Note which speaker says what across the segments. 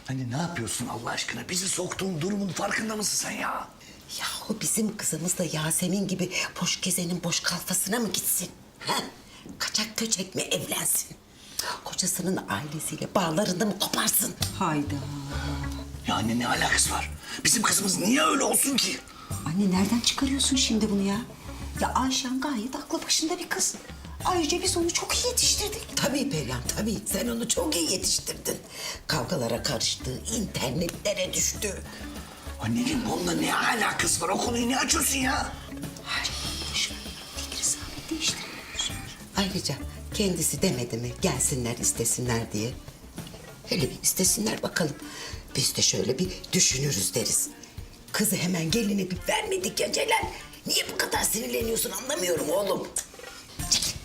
Speaker 1: Hani ne yapıyorsun Allah aşkına? Bizi soktuğun durumun farkında mısın sen ya?
Speaker 2: Yahu bizim kızımız da Yasemin gibi boş gezenin boş kalfasına mı gitsin? Ha? Kaçak köçek mi evlensin? Kocasının ailesiyle bağlarını mı koparsın?
Speaker 3: Hayda.
Speaker 1: Ya anne ne alakası var? Bizim kızımız niye öyle olsun ki?
Speaker 3: Anne nereden çıkarıyorsun şimdi bunu ya? Ya Ayşen gayet aklı başında bir kız. Ayrıca biz onu çok iyi yetiştirdik.
Speaker 2: Tabii Perihan, tabii. Sen onu çok iyi yetiştirdin. Kavgalara karıştı, internetlere düştü.
Speaker 1: Anneciğim bununla ne alakası var? O konuyu ne açıyorsun ya?
Speaker 3: Boş ver. Fikri sabit değiştirmiyoruz.
Speaker 2: Ayrıca kendisi demedi mi gelsinler istesinler diye. Hele bir istesinler bakalım. Biz de şöyle bir düşünürüz deriz. Kızı hemen geline bir vermedik ya Celal. Niye bu kadar sinirleniyorsun anlamıyorum oğlum. Çekil.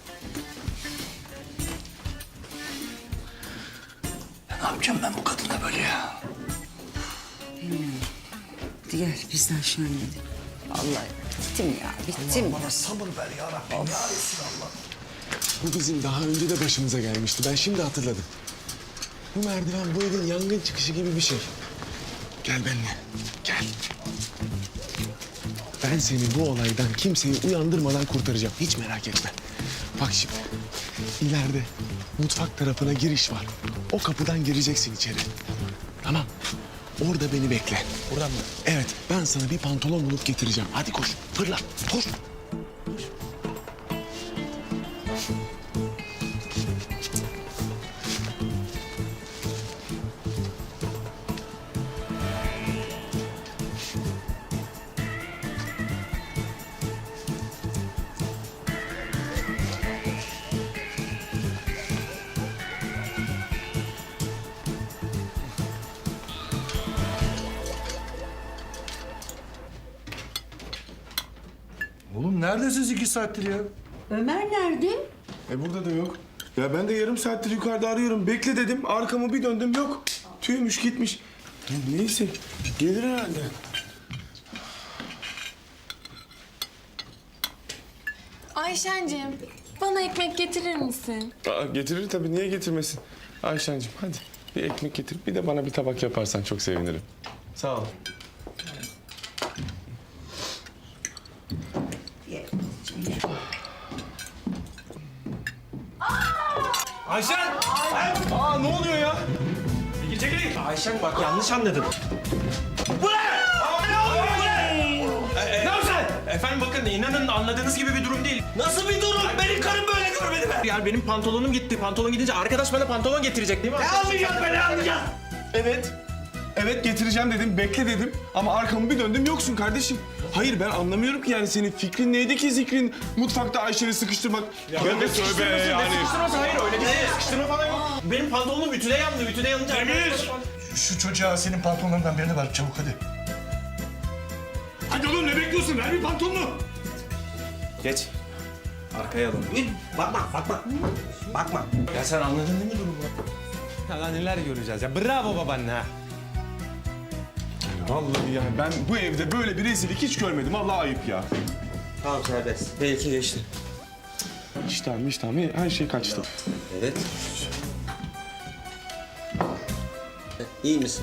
Speaker 1: Ne yapacağım ben bu kadına böyle ya?
Speaker 3: Gel biz de aşağı inelim. Vallahi bittim ya, bittim.
Speaker 1: Bana sabır ver ya Rabbim. Ya Resulallah.
Speaker 4: Bu bizim daha önce de başımıza gelmişti. Ben şimdi hatırladım. Bu merdiven bu evin yangın çıkışı gibi bir şey. Gel benimle. Gel. Ben seni bu olaydan kimseyi uyandırmadan kurtaracağım. Hiç merak etme. Bak şimdi. İleride mutfak tarafına giriş var. O kapıdan gireceksin içeri. Tamam. Orada beni bekle. Buradan mı? Evet. Ben sana bir pantolon bulup getireceğim. Hadi koş. Fırla. Koş.
Speaker 5: Oğlum neredesiniz 2 saattir ya?
Speaker 3: Ömer nerede?
Speaker 4: Burada da yok. Ya ben de yarım saattir yukarıda arıyorum. Bekle dedim. Arkamı bir döndüm yok. Tüymüş gitmiş. Ya neyse. Gelir herhalde.
Speaker 6: Ayşenciğim, bana ekmek getirir misin?
Speaker 4: Getirir tabii. Niye getirmesin? Ayşen'cim hadi bir ekmek getir. Bir de bana bir tabak yaparsan çok sevinirim. Sağ ol.
Speaker 7: Ayşen!
Speaker 4: Aa ne oluyor ya?
Speaker 7: Çekilin! Ayşen bak yanlış anladın. Bu ne? Ne oluyor? Bu ne? Ne yapıyorsun? Efendim bakın inanın anladığınız gibi bir durum değil. Nasıl bir durum? Benim karım böyle görmedi mi? Yani benim pantolonum gitti. Pantolon gidince arkadaş bana pantolon getirecek değil mi? Ne anlayacağız be ne anlayacağız?
Speaker 4: Evet. Evet getireceğim dedim. Bekle dedim. Ama arkamı bir döndüm yoksun kardeşim. Hayır ben anlamıyorum ki yani senin fikrin neydi ki zikrin mutfakta Ayşe'ni sıkıştırmak. Ya ben de tövbe yani.
Speaker 7: Sıkıştırması hayır öyle değil. Sıkıştırma falan yok. Benim pantolonum ütüde yandı. Ütüde yanınca... Demir!
Speaker 1: Şu çocuğa senin pantolonlarından birini ver çabuk hadi.
Speaker 7: Hadi oğlum ne bekliyorsun? Ver bir pantolonu. Geç. Arkaya alın. Bakma. Ya sen anladın değil mi durumu? Ya lan neler göreceğiz ya. Bravo babaanne ha.
Speaker 4: Vallahi yani ben bu evde böyle bir rezillik hiç görmedim. Vallahi ayıp ya.
Speaker 7: Tamam serbest. Belki geçti.
Speaker 4: İştahım her şey kaçtı.
Speaker 7: Evet. İyi misin?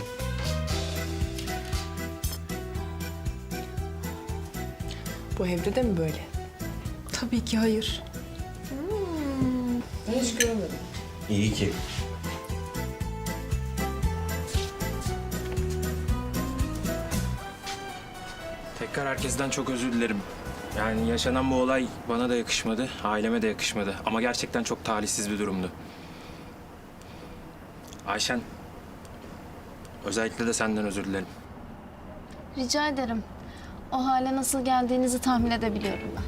Speaker 6: Bu evde de mi böyle? Tabii ki hayır. Hiç görmedim.
Speaker 7: İyi ki.
Speaker 8: Tekrar herkesten çok özür dilerim. Yani yaşanan bu olay bana da yakışmadı, aileme de yakışmadı. Ama gerçekten çok talihsiz bir durumdu. Ayşen, özellikle de senden özür dilerim.
Speaker 6: Rica ederim. O hale nasıl geldiğinizi tahmin edebiliyorum ben.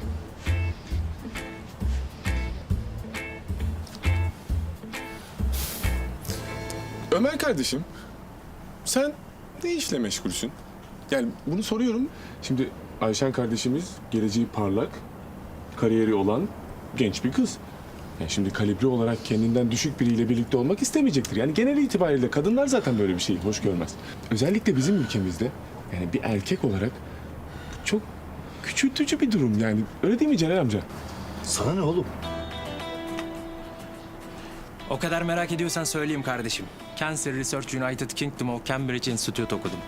Speaker 4: Ömer kardeşim, sen ne işle meşgulsün? Yani bunu soruyorum. Şimdi Ayşen kardeşimiz geleceği parlak, kariyeri olan genç bir kız. Yani şimdi kalibre olarak kendinden düşük biriyle birlikte olmak istemeyecektir. Yani genel itibariyle kadınlar zaten böyle bir şeyi hoş görmez. Özellikle bizim ülkemizde yani bir erkek olarak çok küçültücü bir durum yani. Öyle değil mi Celal amca?
Speaker 1: Sana ne oğlum?
Speaker 8: O kadar merak ediyorsan söyleyeyim kardeşim. Cancer Research United Kingdom of Cambridge Institute okudum.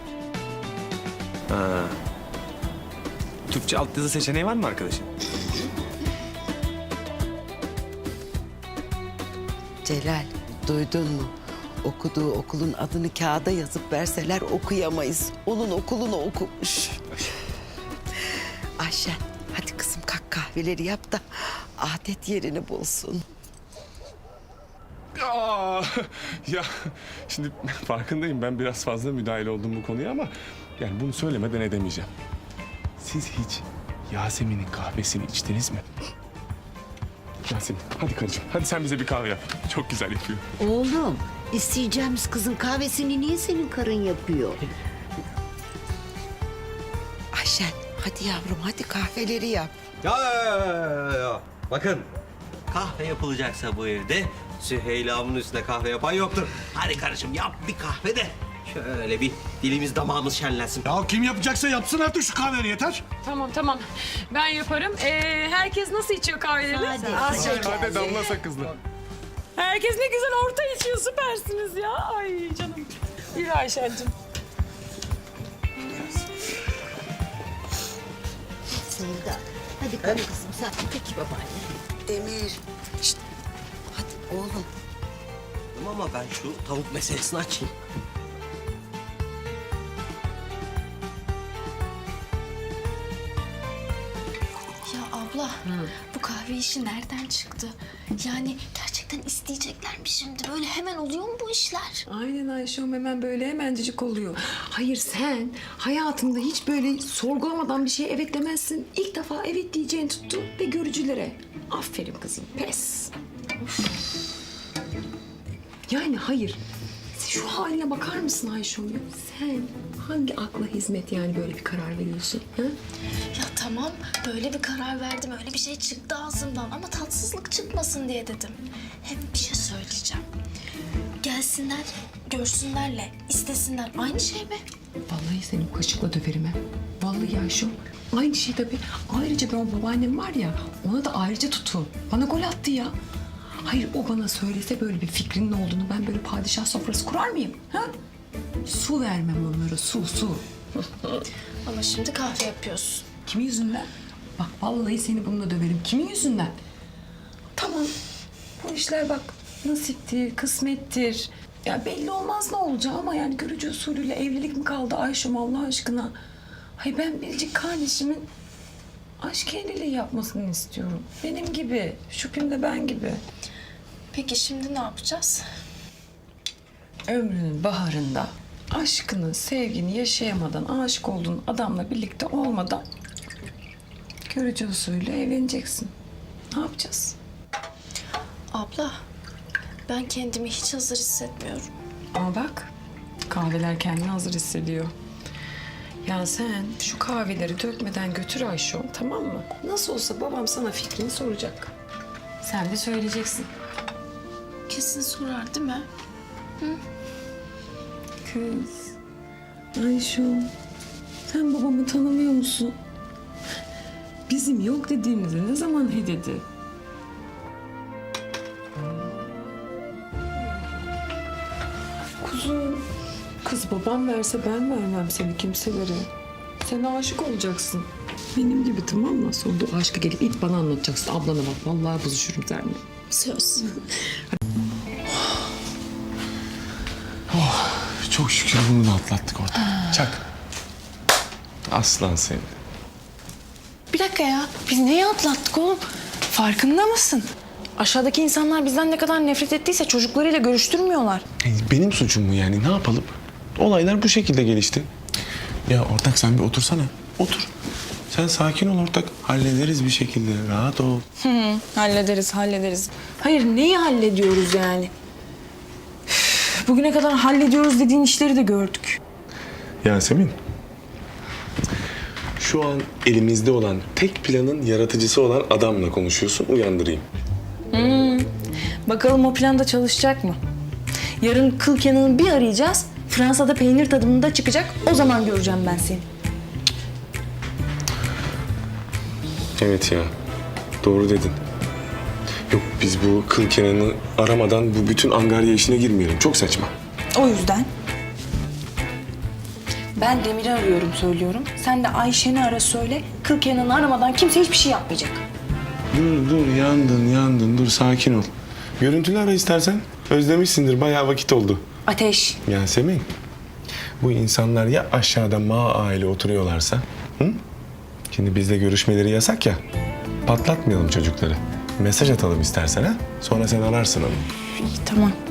Speaker 8: Türkçe altyazı seçeneği var mı arkadaşım?
Speaker 2: Celal, duydun mu? Okuduğu okulun adını kağıda yazıp verseler okuyamayız. Onun okulunu okumuş. Ayşen, hadi kızım kalk kahveleri yap da adet yerini bulsun.
Speaker 4: Aa, ya şimdi farkındayım, ben biraz fazla müdahale oldum bu konuya ama yani bunu söylemeden edemeyeceğim. Siz hiç Yasemin'in kahvesini içtiniz mi? Yasemin, hadi karıcığım, hadi sen bize bir kahve yap. Çok güzel yapıyor.
Speaker 3: Oğlum, isteyeceğimiz kızın kahvesini niye senin karın yapıyor?
Speaker 2: Ayşen, hadi yavrum hadi kahveleri yap.
Speaker 9: Ya. Bakın, kahve yapılacaksa bu evde Süheyla'mın üstüne kahve yapan yoktur. Hadi kardeşim yap bir kahve de şöyle bir dilimiz damağımız şenlensin.
Speaker 5: Ya kim yapacaksa yapsın artık şu kahveni yeter.
Speaker 10: Tamam. Ben yaparım. Herkes nasıl içiyor kahvelerini?
Speaker 4: Hadi damla sakızlı.
Speaker 10: Herkes ne güzel orta içiyor. Süpersiniz ya. Ay canım. Yürü Ayşen'cim.
Speaker 3: Sevda, hadi kalk kızım sen. Peki babaanne.
Speaker 2: Demir, şşt, hadi oğlum.
Speaker 9: Ama ben şu tavuk meselesini açayım.
Speaker 6: Ya abla, bu kahve işi nereden çıktı? Yani gerçekten isteyecekler mi şimdi? Böyle hemen oluyor mu bu işler?
Speaker 10: Aynen Ayşem, hemen böyle hemencik oluyor. Hayır, sen hayatında hiç böyle sorgulamadan bir şeye evet demezsin. İlk defa evet diyeceğini tuttu ve görücülere. Aferin kızım, pes. Of. Yani hayır. Şu haline bakar mısın Ayşem? Sen hangi akla hizmet yani böyle bir karar veriyorsun? Ha?
Speaker 6: Ya tamam, böyle bir karar verdim. Öyle bir şey çıktı ağzımdan ama tatsızlık çıkmasın diye dedim. Hem bir şey söyleyeceğim. Gelsinler, görsünlerle, istesinler. Aynı şey mi?
Speaker 10: Vallahi seni bu kaşıkla döverim ha. Vallahi Ayşem. Aynı şey tabii. Ayrıca ben o babaannem var ya, ona da ayrıca tutun. Bana gol attı ya. Hayır, o bana söylese böyle bir fikrinin olduğunu ben böyle padişah sofrası kurar mıyım? Ha? Su vermem onlara, su.
Speaker 6: Ama şimdi kahve yapıyorsun.
Speaker 10: Kimin yüzünden? Bak vallahi seni bununla döverim. Kimin yüzünden? Tamam. Bu işler bak nasiptir, kısmettir. Ya belli olmaz ne olacağı ama yani görücü usulüyle evlilik mi kaldı Ayşem Allah aşkına? Hayır, ben biricik kardeşimin aşk evliliği yapmasını istiyorum. Benim gibi, şüphem de ben gibi.
Speaker 6: Peki şimdi ne yapacağız?
Speaker 10: Ömrünün baharında aşkını, sevgini yaşayamadan, aşık olduğun adamla birlikte olmadan görücü usulüyle evleneceksin. Ne yapacağız?
Speaker 6: Abla, ben kendimi hiç hazır hissetmiyorum.
Speaker 10: Ama bak, kahveler kendini hazır hissediyor. Ya sen şu kahveleri dökmeden götür Ayşem, tamam mı? Nasıl olsa babam sana fikrini soracak. Sen de söyleyeceksin.
Speaker 6: Kesin sorar değil mi?
Speaker 10: Kız, Ayşem, sen babamı tanımıyor musun? Bizim yok dediğimizi ne zaman he dedi? Kuzum, kız babam verse ben vermem seni kimselere. Sen aşık olacaksın. Benim gibi, tamam mı? Sonra o aşkı gelip ilk bana anlatacaksın. Ablana bak, vallahi bozuşurum seninle.
Speaker 6: Söz.
Speaker 4: Çok şükür bunu da atlattık orada. Çak. Aslan seni.
Speaker 11: Bir dakika ya. Biz neyi atlattık oğlum? Farkında mısın? Aşağıdaki insanlar bizden ne kadar nefret ettiyse çocuklarıyla görüştürmüyorlar.
Speaker 4: Benim suçum mu yani? Ne yapalım? Olaylar bu şekilde gelişti. Ya ortak sen bir otursana. Otur. Sen sakin ol ortak. Hallederiz bir şekilde. Rahat ol.
Speaker 11: Hallederiz. Hayır, neyi hallediyoruz yani? Üf, bugüne kadar hallediyoruz dediğin işleri de gördük.
Speaker 4: Yasemin. Şu an elimizde olan tek planın yaratıcısı olan adamla konuşuyorsun. Uyandırayım.
Speaker 11: Bakalım o plan da çalışacak mı? Yarın kıl Kenan'ı bir arayacağız. Fransa'da peynir tadımında çıkacak. O zaman göreceğim ben seni.
Speaker 4: Evet ya. Doğru dedin. Yok biz bu Kıl Kenan'ı aramadan bu bütün angarya işine girmeyelim. Çok saçma.
Speaker 11: O yüzden ben Demir'i arıyorum söylüyorum. Sen de Ayşen'i ara söyle. Kıl Kenan'ı aramadan kimse hiçbir şey yapmayacak.
Speaker 4: Dur yandın dur sakin ol. Görüntülü ara istersen. Özlemişsindir bayağı vakit oldu.
Speaker 11: Ateş.
Speaker 4: Yasemin, bu insanlar ya aşağıda aile oturuyorlarsa, hı? Şimdi bizle görüşmeleri yasak ya, patlatmayalım çocukları. Mesaj atalım istersen ha, sonra sen ararsın onu.
Speaker 11: İyi, tamam.